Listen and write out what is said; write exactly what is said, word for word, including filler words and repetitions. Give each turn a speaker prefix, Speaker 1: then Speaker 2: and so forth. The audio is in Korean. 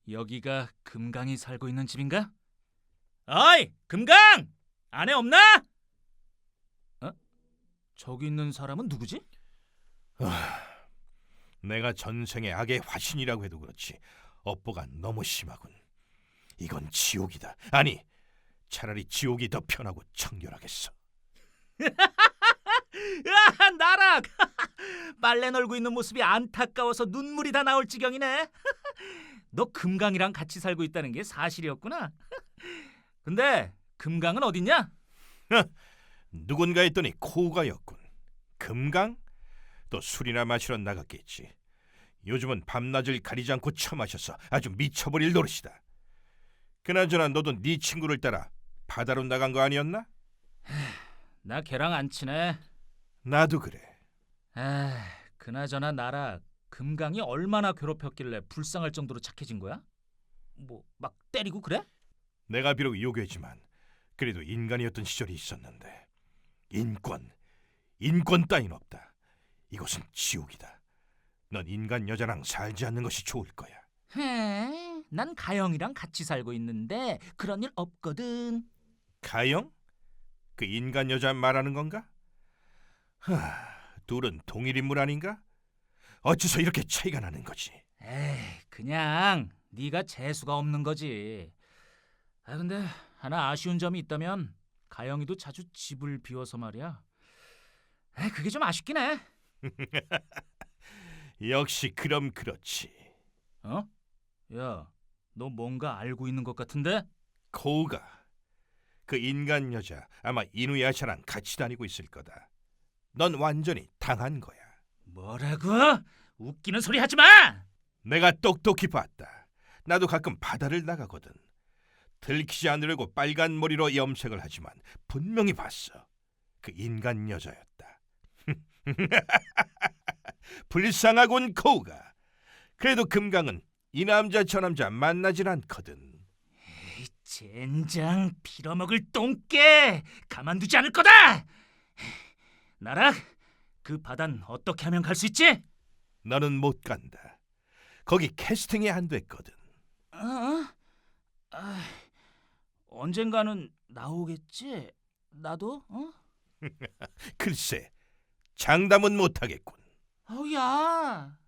Speaker 1: 여기가 금강이 살고 있는 집인가? 어이, 금강! 안에 없나? 어? 저기 있는 사람은 누구지?
Speaker 2: 내가 전생의 악의 화신이라고 해도 그렇지 업보가 너무 심하군. 이건 지옥이다. 아니, 차라리 지옥이 더 편하고 청결하겠어.
Speaker 1: 으아, 나락! 빨래 널고 있는 모습이 안타까워서 눈물이 다 나올 지경이네. 너 금강이랑 같이 살고 있다는 게 사실이었구나. 근데 금강은 어딨냐?
Speaker 2: 누군가 했더니 코우가였군. 금강? 또 술이나 마시러 나갔겠지. 요즘은 밤낮을 가리지 않고 처마셔서 아주 미쳐버릴 노릇이다. 그나저나 너도 네 친구를 따라 바다로 나간 거 아니었나?
Speaker 1: 나 걔랑 안 친해.
Speaker 2: 나도 그래.
Speaker 1: 아, 그나저나 나락, 금강이 얼마나 괴롭혔길래 불쌍할 정도로 착해진 거야? 뭐 막 때리고 그래?
Speaker 2: 내가 비록 요괴지만 그래도 인간이었던 시절이 있었는데 인권, 인권 따윈 없다. 이곳은 지옥이다. 넌 인간 여자랑 살지 않는 것이 좋을 거야.
Speaker 1: 헤, 난 가영이랑 같이 살고 있는데 그런 일 없거든.
Speaker 2: 가영? 그 인간 여자 말하는 건가? 하, 둘은 동일 인물 아닌가? 어째서 이렇게 차이가 나는 거지?
Speaker 1: 에이, 그냥 네가 재수가 없는 거지. 아, 근데 하나 아쉬운 점이 있다면 가영이도 자주 집을 비워서 말이야. 에이, 그게 좀 아쉽긴 해.
Speaker 2: 역시 그럼 그렇지.
Speaker 1: 어? 야, 너 뭔가 알고 있는 것 같은데?
Speaker 2: 코우가 그 인간 여자 아마 이누야샤랑 같이 다니고 있을 거다. 넌 완전히 당한 거야.
Speaker 1: 뭐라고? 웃기는 소리 하지 마!
Speaker 2: 내가 똑똑히 봤다. 나도 가끔 바다를 나가거든. 들키지 않으려고 빨간 머리로 염색을 하지만 분명히 봤어. 그 인간 여자였다. 불쌍하군 코우가. 그래도 금강은 이 남자 저 남자 만나질 않거든.
Speaker 1: 젠장, 빌어먹을 똥개! 가만두지 않을 거다! 나락, 그 바단 어떻게 하면 갈 수 있지?
Speaker 2: 너는 못 간다. 거기 캐스팅이 안 됐거든.
Speaker 1: 어? 아, 언젠가는 나오겠지? 나도? 어?
Speaker 2: 글쎄, 장담은 못하겠군.
Speaker 1: 어, 야,